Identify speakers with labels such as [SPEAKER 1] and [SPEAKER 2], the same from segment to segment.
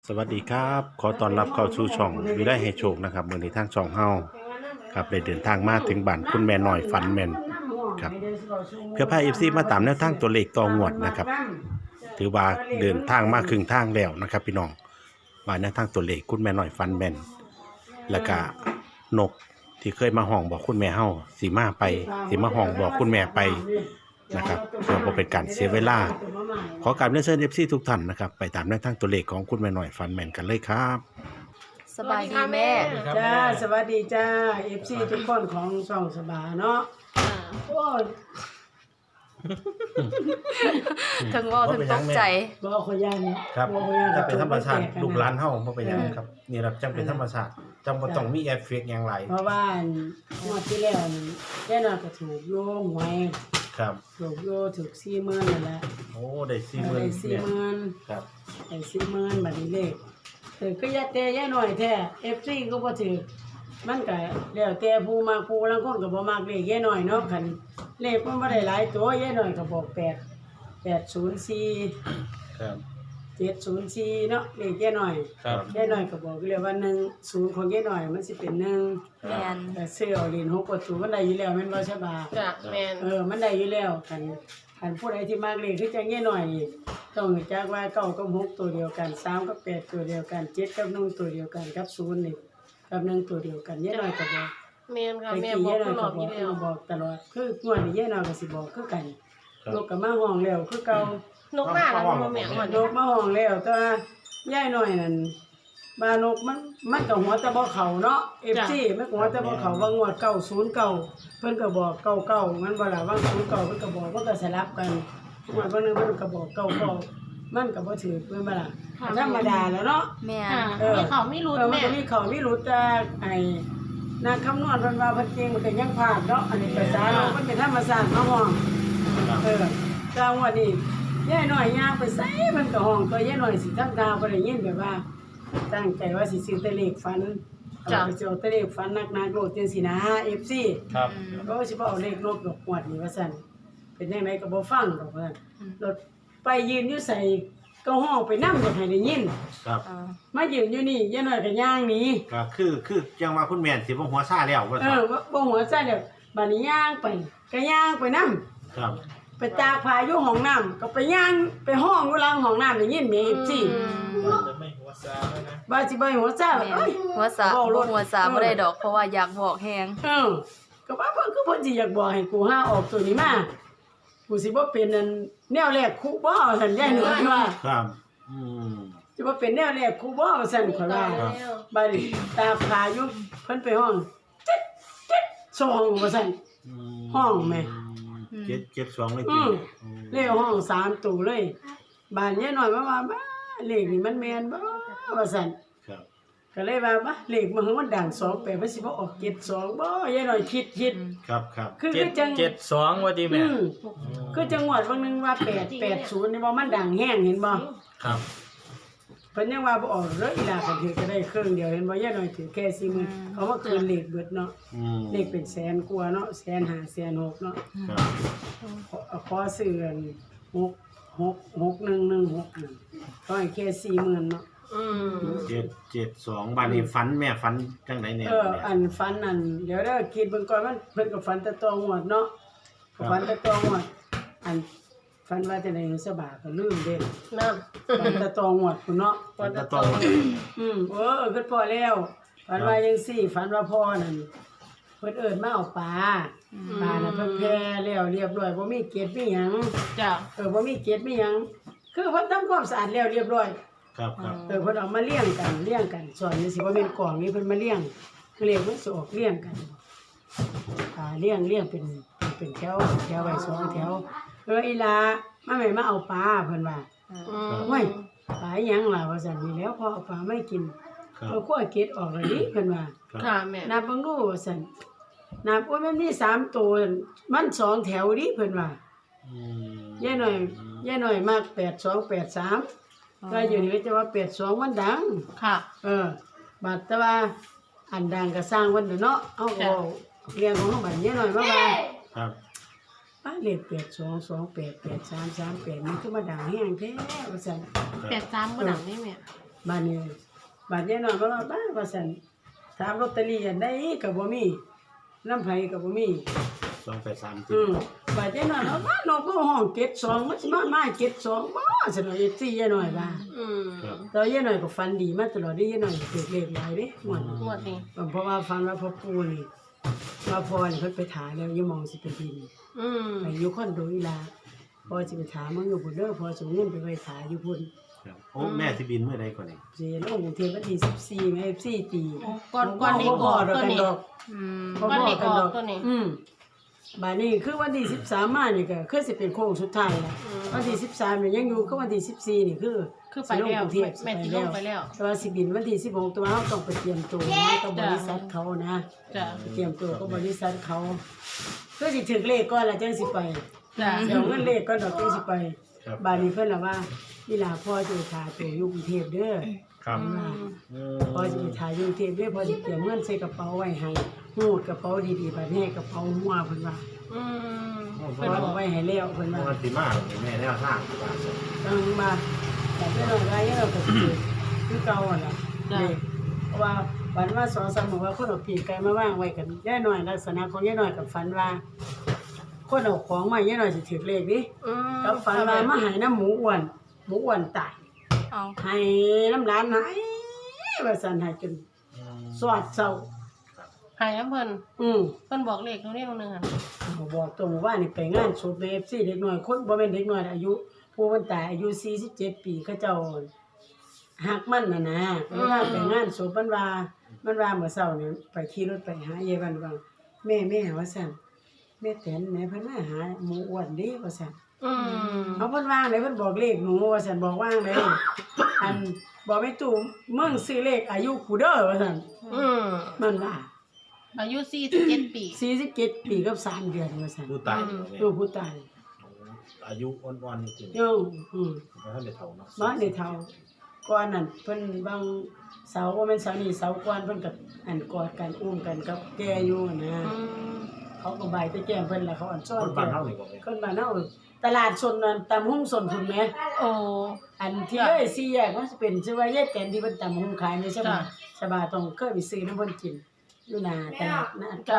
[SPEAKER 1] สวัสดีครับขอต้อนรับเข้าสู่ช่องวิไลให้โชคนะครับมื้อนี้ทางช่องเฮาครับได้เดินทางมาถึงบ้านคุณแม่น้อยฝันแม่นครับเพื่อพา FC มาตามแนวทางตัวเลขต่องวดนะครับถือว่าเดินทางมาครึ่งทางแล้วนะครับพี่น้องว่าแนวทางตัวเลขคุณแม่น้อยฝันแม่นแล้วก็นกที่เคยมาห้องบอกคุณแม่เฮาสิมาห้องบอกคุณแม่ไปนะครับเพื่อบ่เป็นการเสียเวลาขอการเรียนเชิญ FC ทุกท่านนะครับไปตามแนวทางตัวเลขของคุณแม่น้อยฝันแม่นกันเลยครับ
[SPEAKER 2] สบายดีแม่
[SPEAKER 3] จ้าสวัสดีจ้า FC ทุกคนของช่องสบาเนาะโอ้ย
[SPEAKER 2] ถึงว่าถึงตกใจ
[SPEAKER 3] บ่ขยัน
[SPEAKER 1] ครับ
[SPEAKER 3] บ่ขยัน
[SPEAKER 1] ถ้าเป็นธรรมชาติ
[SPEAKER 3] ก็
[SPEAKER 1] ลูกหลานเฮาบ่เป็นหยังครับนี่ล่ะจังเป็นธรรมชาติจังบ่ต้องมีเอฟเฟกต์หยังหลาย
[SPEAKER 3] เพราะว่างวดที่แล้วนี่แน่นอนก็ถูกโยงหวย
[SPEAKER 1] ครับ
[SPEAKER 3] ถูกโยถูก40,000นั่นแหละ
[SPEAKER 1] โอ้ได้
[SPEAKER 3] ได้
[SPEAKER 1] 40,000เนี่ย
[SPEAKER 3] 40,000
[SPEAKER 1] ครับ
[SPEAKER 3] ได้40,000บัดนี้เลขถือก็ยะแต่ยะหน่อยแท้ FC ก็บ่ถือมันก็แล้วแต่ผู้มักผู้ลางคนก็บ่มักเลขยะหน่อยเนาะคันเลขมันบ่ได้หลายตัวยะหน่อยก็บอก804
[SPEAKER 1] ครับ
[SPEAKER 3] 704เนาะเลขแย่หน่อย
[SPEAKER 1] ครับ
[SPEAKER 3] แย่หน่อยก็บอกเลยว่า10ของแย่หน่อยมันสิเป็น1
[SPEAKER 2] แม่น
[SPEAKER 3] แต่ซื้อเอาเหรียญ6ประตูมันได้อยู่แล้วแม่นบ่ใช่บ่า
[SPEAKER 4] จ้ะแม่น
[SPEAKER 3] มันได้อยู่แล้วคันผู้ใดที่มากเลขคือจังแย่หน่อยนี่ต้องรู้จักว่า9กับ6ตัวเดียวกัน3กับ8ตัวเดียวกัน7กับ1ตัวเดียวกันกับ0นี่กับ1ตัวเดียวกันแย่หน่อยก็บอก
[SPEAKER 4] แม่นค่ะ
[SPEAKER 3] แต่
[SPEAKER 4] แม่
[SPEAKER 3] กี้
[SPEAKER 4] บอ
[SPEAKER 3] แย่
[SPEAKER 4] ก
[SPEAKER 3] หน่อย
[SPEAKER 4] ตล
[SPEAKER 3] ก็
[SPEAKER 4] อด
[SPEAKER 3] บ
[SPEAKER 4] อ
[SPEAKER 3] อยู่ ก
[SPEAKER 4] แล้ว
[SPEAKER 3] บอกตลอดคืองวดนี้แย่หน่อยก็สิบอกคือกันลูกก็มาห้องแล้วคือเก่า
[SPEAKER 4] นกมาแล้วมาแม่งอน
[SPEAKER 3] นกมาห้องแล้วแต่ว่าย่ายน้อยนั่นบ้านนกมันก็หัวแต่บ่เข้าเนาะ FC มันก็หัวแต่บ่เข้าว่างวด909เพิ่นก็บอก99มันบ่ล่ะว่าง09เพิ่นก็บอกมันก็สลับกันงวดบ่นึงเพิ่นก็บอก99มันก็บ่ถือเพิ่นบ่ล่ะธรรมดาแล้วเนาะ
[SPEAKER 2] แม่
[SPEAKER 4] ค่ะ
[SPEAKER 2] น
[SPEAKER 4] มีเขาไม่รู้
[SPEAKER 3] มัน
[SPEAKER 4] แม่
[SPEAKER 3] ก็มีเขามีรู้แต่ไอ้นักคำนวณเพิ่นว่าเพิ่นเก่งมันก็ยังพลาดเนาะอันนี้ภาษาเนาะมันเป็นธรรมชาติเนาะห้องแต่งวดนี้ย่ายน้อยย่างไปไสมันก็ห้องตัวยายน้อยสิทำตาบ่ได้ยินแบบว่า ตั้งใจว่าสิซื้อแต่เลขฝันเอาไปเอาแต่เลขฝันนักๆโลดจังซี่นะ FC
[SPEAKER 1] ครับ
[SPEAKER 3] ก็สิบ่เอาเลขลบดอกงวดนี้ว่าซั่นเป็นจังไดก็บ่ฟังดอกว่าซั่นรถไปยืนอยู่ใส่ก็ห้องไปนำอยากให้ได้ยิน
[SPEAKER 1] ครับ
[SPEAKER 3] มายืนอยู่นี่ยายน้อยก็ย่างหนี
[SPEAKER 1] ก็คือจังว่าคุณแม่นสิบ่หัวซ่าแล้วว่า
[SPEAKER 3] ว่าบ่หัวใจเด้อบัดนี้ย่างไปก็ย่างไปนำ
[SPEAKER 1] ครับ
[SPEAKER 3] ไปตากผ้าอยู่ห้องน้ำก็ไปย่างไปห้องอยู่หลังห้องน้ำได้ยินแม่ FC
[SPEAKER 1] จะไม่หัวซ่าแล้วนะ
[SPEAKER 3] ว่าสิบ่ให้หัวใจ
[SPEAKER 2] แม่น
[SPEAKER 3] เอ้ย
[SPEAKER 2] หัวสาบ่หัวสาบ่ได้ดอกเพราะว่าอยากบอกแฮง
[SPEAKER 3] ก็ว่าเพิ่นคือเพิ่นสิอยากบอกให้กูหาออกตัวนี้มากูสิบ่เป็นอันแนวแรกครูบ่ซั่นยายหนูว่า
[SPEAKER 1] ครับม
[SPEAKER 3] สิบ่เป็นแนวแรกครูบ่ซั่นข่อยว่าบัดนี้ตาพาอยู่เพิ่นไปห้องจิ๊ดจิ๊ดสองว่าซั่น ห้องแม่
[SPEAKER 1] 772เลย
[SPEAKER 3] อื
[SPEAKER 1] ติ
[SPEAKER 3] เลขห้อง3ตัวเลยบ้านยายน้อยมาว่าบ้าเลขนี่มันแม่นบ่ว่าซั่น
[SPEAKER 1] ครับ
[SPEAKER 3] ก็เลยว่าบ้าเลขมันดัง28มันสิบ่ออก72บ่ยายน้อยคิด
[SPEAKER 1] ครับ
[SPEAKER 3] คือจัง
[SPEAKER 5] 72ว่าดีแม่
[SPEAKER 3] คือจังหวัดบางนึงว่า880นี่บ่มันดังแห้งเห็นบ่
[SPEAKER 5] ครับ
[SPEAKER 3] เพิ่นยังว่าบ่ออกเลยอีหลาก็ถือก็ได้ครึ่งเดียวเห็นบ่ยายน้อยถือแค่40,000เขาว่าคืนเลขเบิดเนาะ เลขเป็นแสนกว่าเนาะ150,000 160,000เนาะ
[SPEAKER 1] ครับ
[SPEAKER 3] ขอซื้ออัน6116ก็ให้แค่40,000เนาะ
[SPEAKER 1] 772บัดนี้ฝันแม่ฝันจังไดแน่
[SPEAKER 3] อันฝันนั่นเดี๋ยวเด้อคิดเบิ่งก่อนมันเพิ่นก็ฝันแต่ตองวดเนาะก็ฝันแต่ตองวดอันฝันว่าจะได้เงินสบาก็ลืมเด้
[SPEAKER 4] นั่น
[SPEAKER 3] ฝันแต่ตองวดพุ่นเนาะ
[SPEAKER 1] ฝันตะต้อง
[SPEAKER 3] คือพอแล้วฝันว่าจังซี่ฝันว่าพ่อนั่นเพิ่นเอิ้นมาเอาปลาน่ะเพิ่นแพ้แล้วเรียบร้อยบ่มีเกล็ดมีหยัง
[SPEAKER 4] จ้ะ
[SPEAKER 3] บ่มีเกล็ดมีหยังคือเพิ่นทำความสะอาดแล้วเรียบร้อย
[SPEAKER 1] ครับ
[SPEAKER 3] เพิ่นเอามาเลี้ยงกันสอนนี่สิบ่แม่นกล่องนี่เพิ่นมาเลี้ยงมันสิออกเลี้ยงกันเลี้ยงเป็นแถวไว้2แถวอีหลามาแม่มาเอาปลาเพิ่นว่าโอ้ยปลาหยังล่ะว่าซั่นนี่แล้วพอเอาปลาไม่กิน เอาขั้วเกล็ดออกเลยนี่เพิ่นว่า
[SPEAKER 4] ค่ะแม่
[SPEAKER 3] นับเบิ่งดูว่าซั่นนับว่ามันมี3ตัวมัน2แถวดิเพิ่นว่า ยายหน่อยมาก8283ก็อยู่นี่ก็จะว่า82มันดัง
[SPEAKER 4] ค่ะ
[SPEAKER 3] บัดแต่ว่าอันดังก็สร้างเพิ่นเด้อเนาะเอาก็เรียงของเฮาบัดยายหน่อยมาว่า
[SPEAKER 1] ครับ
[SPEAKER 3] ป้าเลข8228 8338มันคือมาดังแฮงแท้ว่าซั่น
[SPEAKER 4] 83บ่ดังนี่แม่
[SPEAKER 3] บ้านนี้บ้านยายน้อยมาว่าบ้าว่าซั่นถามลอตเตอรี่อันใดก็บ่มีน้ำไผก็บ่มี
[SPEAKER 1] 283
[SPEAKER 3] บ้านยายน้อยว่าบ้านนอกก็ห้อง72มันสิมา72บ่ซั่นว่าFCยายน้อยว่า
[SPEAKER 1] ครับ
[SPEAKER 3] แต่ยายน้อยก็ฝันดีมาตลอดเด้ยายน้อยถูกเลขหลายเด้ม่วน
[SPEAKER 4] งวดนี้
[SPEAKER 3] เพราะว่าฝันว่าพ่อปู่นี่ว่าพ่อนี่เพิ่นไปถาแล้วอย่ามองสิเป็นดิน ไปอยู่คอนโดอีหลาพอสิไปถามมึงอยู่พุ่นเด้อพอส่งเงินไปไว้ถาอยู่พุ่น
[SPEAKER 1] ครับโอ้แม่สิบินเมื่อใดก่อนนี่
[SPEAKER 3] สิลงกรุงเทพวันที่14แม่14ตี
[SPEAKER 4] ก่อนนี้
[SPEAKER 3] บ่
[SPEAKER 4] ก่อน
[SPEAKER 3] ดอก
[SPEAKER 4] ตัว
[SPEAKER 3] กัน
[SPEAKER 4] นี้
[SPEAKER 3] ดอก
[SPEAKER 2] อืม
[SPEAKER 3] บ่บอกกันดอก
[SPEAKER 4] ตัวนี้
[SPEAKER 3] บัดนี้คือวันที่13มานี่ก็คือสิเป็นโค้งสุดท้ายแล้ววันที่13นี่ยังอยู่คือวันที่14นี่คือ
[SPEAKER 4] ไปแล้ว
[SPEAKER 3] สิลงกรุงเทพ
[SPEAKER 4] แม่สิลงไปแล้ว
[SPEAKER 3] แต่ว่าสิบินวันที่16ตัวเราต้องไปเตรียมตัวนะกับบริษัทเขานะ
[SPEAKER 4] จ้ะ
[SPEAKER 3] ไปเตรียมตัวกับบริษัทเขาคือสิถึงเลขก่อนแล้วจังสิไป
[SPEAKER 4] จ้ะ
[SPEAKER 3] เดี๋ยวเงินเลขก่อนดอกจังสิไปบาดนี้เพิ่นล่ะว่านี่ล่ะพ่อจะไปถ่ายตัวอยู่กรุงเทพเด้อ
[SPEAKER 1] ครับ
[SPEAKER 3] พ่อจะไปถ่ายอยู่กรุงเทพเด้อพ่อสิเตรียมเงินใส่กระเป๋าไว้ให้หูดกระเป๋าดีๆบัดนี้กระเป๋าหัวเพิ่นว่า
[SPEAKER 4] เพิ่น
[SPEAKER 3] พ่อ
[SPEAKER 4] บอก
[SPEAKER 3] เอาไว้ให้แล้วเพิ่นว่า
[SPEAKER 1] มันสิมาแม่แนวทางว่าซั่น
[SPEAKER 3] ต้องมาแต่เพิ่นเอาไว้เราก็สิคือเก่าอ่ะล่ะนี่เพราะว่าฝันว่า2-3มื้อว่าคนเอาปีกไก่มาวางไว้กันยายน้อยลักษณะของยายน้อยกับฝันว่าคนเอาของมายายน้อยสิถือเลขดิกับฝันว่ามาให้น้ำหมูอ้วนตาย
[SPEAKER 2] เอา
[SPEAKER 3] ให้น้ำร้านหายว่าซั่นให้จนสวดเศร้า
[SPEAKER 4] หายน้ำเพิ่น
[SPEAKER 3] เ
[SPEAKER 4] พิ่นบอกเลขตรงนี้ตรงนึงอ่ะ
[SPEAKER 3] บอกตัวหมู่บ้านนี่ไปงานศพใน FC เด็กน้อยคนบ่แม่นเด็กน้อยอายุผู้มันตายอายุ47ปีเขาเจ้าฮักมันน่ะนะเวลาไปงานศพมันว่าเมื่อเช้านี่ไปขี่รถไปหายายวันว่าแม่ว่าซั่นแม่แตนแม่เพิ่นมาหาหมูอ้วนเด้ว่าซั่น เอาเพิ่นวางเลยเพิ่นบอกเลขหนูว่าซั่นบอกว่างเลยอันบอกไม่ตู่มึงซื้อเลขอายุกูเด้อว่าซั่นมันว่า
[SPEAKER 4] อายุ47ปี
[SPEAKER 3] 47ปีกับ3เดือนว่าซั่น
[SPEAKER 1] ผู้ตาย
[SPEAKER 3] ลูกผู้ตาย
[SPEAKER 1] อายุอ่อนๆนี่จริง
[SPEAKER 3] โย
[SPEAKER 1] บ่ทันได้เฒ่าเนาะ
[SPEAKER 3] บ้านในเฒ่าก่อนนั้นเพิ่นบางเสาว่าแม่นเสานี่เสาก่อนเพิ่นก็อันกอดกันอุ้มกันกับแกอยู่นะเขาก็บายแต่แก้มเพิ่นล่ะเขาอันซ้อ
[SPEAKER 1] คน นบ้านเฮานี่บ่แม่
[SPEAKER 3] คนบ้านเฮาตลาดสดนั่นตำหุ้งสนพุ่นแหม
[SPEAKER 4] โอ้
[SPEAKER 3] อันที่เลย4แยกมันสิเป็นชื่อว่าแยกแกนที่เพิ่นตำหุ้งขายในใช่บ่สบายต้องเคยไปซื้อน้ำเพิ่นกินอยู่หน้าตลาดนะจ้า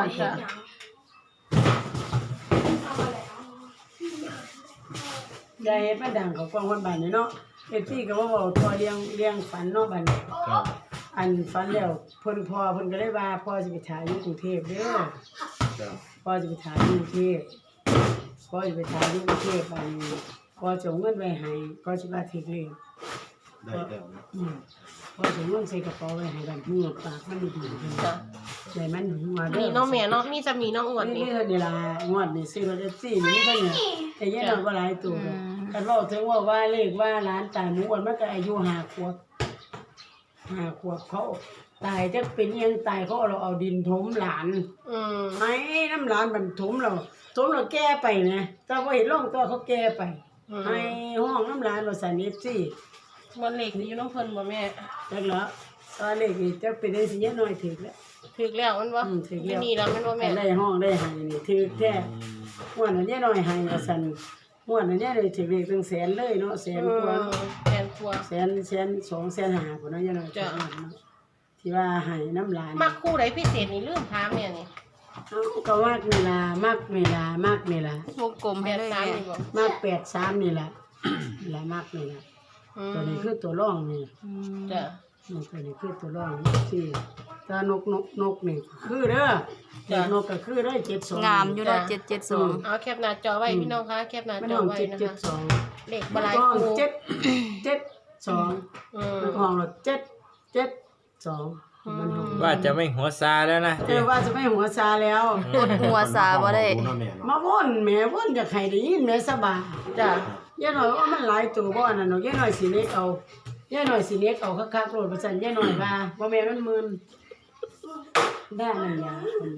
[SPEAKER 3] อย่าเฮ็ดมาดังเขากว้างคนบ้านนี่เนาะFCก็บ่เว้าตัวเลี้ยงฝันเนาะบัดนี้
[SPEAKER 1] ครับ
[SPEAKER 3] อันฝันแล้วเพิ่นก็เลยว่าพ่อสิไปถ่ายอยู่กรุงเทพเด้อ
[SPEAKER 1] ครับ
[SPEAKER 3] พ่อสิไปถ่ายอยู่กรุงเทพพ่อสิไปถ่ายอยู่กรุงเทพบัดนี้พ่อส่งเงินไว้ให้พ่อสิว่าถึกเลข
[SPEAKER 1] ได้แล้วเนาะ
[SPEAKER 3] พ่อส่งเงินใส่กระเป๋าไว้ให้บัดมือปากมันดีๆเพิ่น
[SPEAKER 4] จ้ะ
[SPEAKER 3] ใจมันหัวเด้อ
[SPEAKER 4] นี่น้องแม่เนาะมีจะมีน้องอ้วน
[SPEAKER 3] นี่
[SPEAKER 4] นี่
[SPEAKER 3] เท่านี้ล่ะงวดนี่ซื้อรถ FC นี่เท่านี้แต่ยังนอนบ่หลายตัวกันเว้าถึงว่าเลขว่าหลานตายหมูอ้วนมันก็อายุ5 ขวบเขาตายจักเป็นอิหยังตายเขาเอาดินถมหลานไอ้น้ำหลานมันถมเราแก้ไปนะแต่ว่าเห็นร่องตัวเขาแก้ไปไอ้ห้องน้ำหลานเราใส่เนฟซี่
[SPEAKER 4] บ่เลขนี่อยู่น้องเพิ่นบ่แม่
[SPEAKER 3] จักแล้วตอนเล็กนี่จะเป็นได้สิยะน้อยถึกแล้ว
[SPEAKER 4] ถึกแล้วมันบ่
[SPEAKER 3] ถึกแล้ว
[SPEAKER 4] นี่แล้วมันบ่แม่
[SPEAKER 3] ได้ห้องได้ให้นี่ถึกแท้ม่วนอันนี้น้อยให้ว่าซั่นม่วนอันนี้เลยถึกเลขถึงแสนเลยเนาะแสนกว่า
[SPEAKER 4] แทนครัว
[SPEAKER 3] แสน2แสน5พุ่นเนาะยะน้อยที่ว่าให้น้ำหลาน
[SPEAKER 4] มักคู่ใดพิเศษนี่ลืมถามแม่นี่
[SPEAKER 3] ก็มากนี่ล่ะมากนี่ล่ะ
[SPEAKER 2] วงกลมให้
[SPEAKER 4] แบบ
[SPEAKER 2] เลย
[SPEAKER 4] ตาม
[SPEAKER 2] แม่
[SPEAKER 4] นี่บ่
[SPEAKER 3] มาก83นี่ล่ะล่ะมากนี่ล่ะตัวนี้คือตัวร่องนี่
[SPEAKER 4] จ้ะ
[SPEAKER 3] นี่ตัวนี้คือตัวร่องที่ตานกนี่คือเด้อเด็กนกก็คือได้72
[SPEAKER 2] งามอยู่นะ772
[SPEAKER 4] เอาแคปหน้าจอไว้พี่น้องคะแคปหน้า
[SPEAKER 3] มัน
[SPEAKER 4] จอ
[SPEAKER 3] ห้อง
[SPEAKER 4] ไว้นะคะ
[SPEAKER 3] 772
[SPEAKER 4] เลขบ่หลาย
[SPEAKER 3] ห้อง
[SPEAKER 4] คู่
[SPEAKER 3] 772มันห้องละ772มันห้อง
[SPEAKER 5] ว่าจะไม่หัวซาแล้วนะ
[SPEAKER 3] ว่าจะไม่หัวซาแล้ว
[SPEAKER 2] กดหัวสาบ่ได้
[SPEAKER 1] เนาะแม่เนาะ
[SPEAKER 3] มาวนแม่วนอยากให้ได้ยินแม่สบาย
[SPEAKER 4] จ้ะ
[SPEAKER 3] ย่าหน่อยว่ามันหลายตัวบ่อันนั้นเนาะย่าหน่อยสิเล็กเอาย่าหน่อยสิเล็กเอาคักๆโลดว่าซั่นย่าหน่อยว่าบ่แม่นมันมึนได้นั่นยา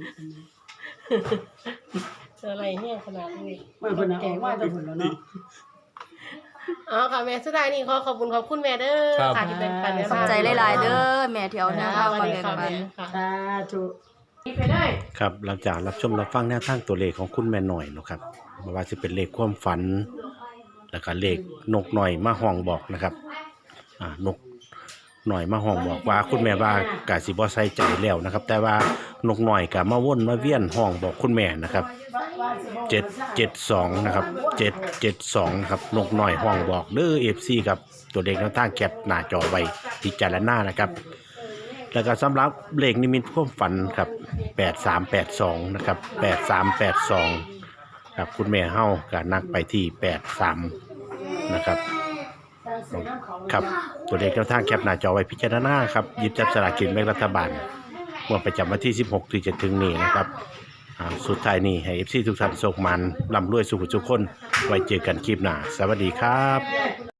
[SPEAKER 4] อะไรเนี่ยขนาดนี้
[SPEAKER 3] มันเพิ่นน่ะออกมาแต่เพิ่นแล้วเนาะ
[SPEAKER 4] เอาค่ะแม่สุดท้ายนี่ขอบคุณแม่เด้อค่ะที่เป็นปัน
[SPEAKER 2] ขอบใจหลายๆเด้อแม่ที่เอาแนวทางมาแบ่งปัน
[SPEAKER 3] สาธุนี่ไปได้
[SPEAKER 1] ครับหลังจากรับชมรับฟังแนวทางตัวเลขของคุณแม่หน่อยเนาะครับบ่ว่าสิเป็นเลขความฝัน แล้วก็เลขนกหน่อยมาห้องบอกนะครับนหน่อยมาห้องบอกว่าคุณแม่ว่ากะสิบ่ใส่ใจแล้วนะครับ แต่ว่านกหน่อยก็มาวนมาเวียนห้องบอกคุณแม่นะครับ772นะครับ772ครับนกหน่อยห้องบอกเด้อ FC ครับตัวเลขแนวทางแคปหน้าจอไว้พิจารณานะครับแล้วก็สำหรับเลขนิมิตความฝันครับ8382นะครับ8382ครับคุณแม่เฮาก็นักไปที่83นะครับครับตัวเลขแนวทางแคปหน้าจอไว้พิจารณาครับหยิบจับสลากกินแบ่งรัฐบาลงวดประจำวันที่16ที่จะถึงนี้นะครับสุดท้ายนี้ให้ FC ทุกท่านโชคมันร่ำรวยสุขทุกคนไว้เจอกันคลิปหน้าสวัสดีครับ